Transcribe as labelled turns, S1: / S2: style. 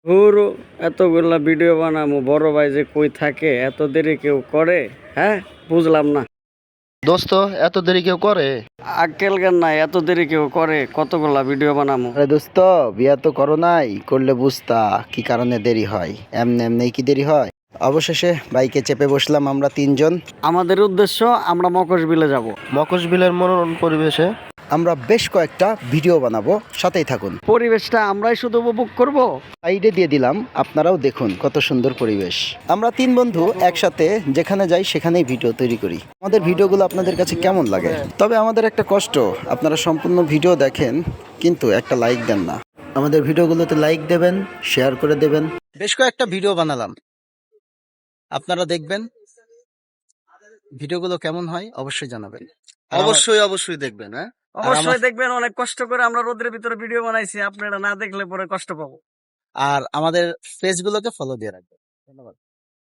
S1: ধুর, এতগুলা ভিডিও বানামু, বড় ভাই যে কই থাকে, এত দেরি কেউ করে? হ্যাঁ, বুঝলাম না।
S2: দোস্ত, এত দেরি কেউ করে?
S1: আক্কেল জ্ঞান নাই, এত দেরি কেউ করে? কতগুলা ভিডিও বানামু।
S2: আরে দোস্ত, বিয়া তো করো নাই, করলে বুঝতা কি কারণে দেরি হয়। এমনি এমনি কি দেরি হয়? অবশেষে বাইকে চেপে বসলাম আমরা তিনজন।
S1: আমাদের উদ্দেশ্য, আমরা মকরবিলে যাব।
S2: মকশবিলের মনোরম পরিবেশে আমরা বেশ কয়েকটা ভিডিও বানাবো, সাথেই থাকুন।
S1: পরিবেশটা আমরাই শুধু উপভোগ করব।
S2: সাইডে দিয়ে দিলাম, আপনারাও দেখুন কত সুন্দর পরিবেশ। আমরা তিন বন্ধু একসাথে যেখানে যাই সেখানেই ভিডিও তৈরি করি। আমাদের ভিডিওগুলো আপনাদের কাছে কেমন লাগে? তবে আমাদের একটা কষ্ট, আপনারা সম্পূর্ণ ভিডিও দেখেন কিন্তু একটা লাইক দেন না। আমাদের ভিডিওগুলোতে লাইক দেবেন, শেয়ার করে দেবেন। বেশ কয়েকটা ভিডিও বানালাম, আপনারা দেখবেন। ভিডিওগুলো কেমন হয় অবশ্যই জানাবেন। অবশ্যই দেখবেন। হ্যাঁ,
S1: অবশ্যই দেখবেন, অনেক কষ্ট করে আমরা রোদের ভিতরে ভিডিও বানাইছি, আপনারা না দেখলে পরে কষ্ট পাবো।
S2: আর আমাদের পেজগুলোকে ফলো দিয়ে রাখবেন। ধন্যবাদ।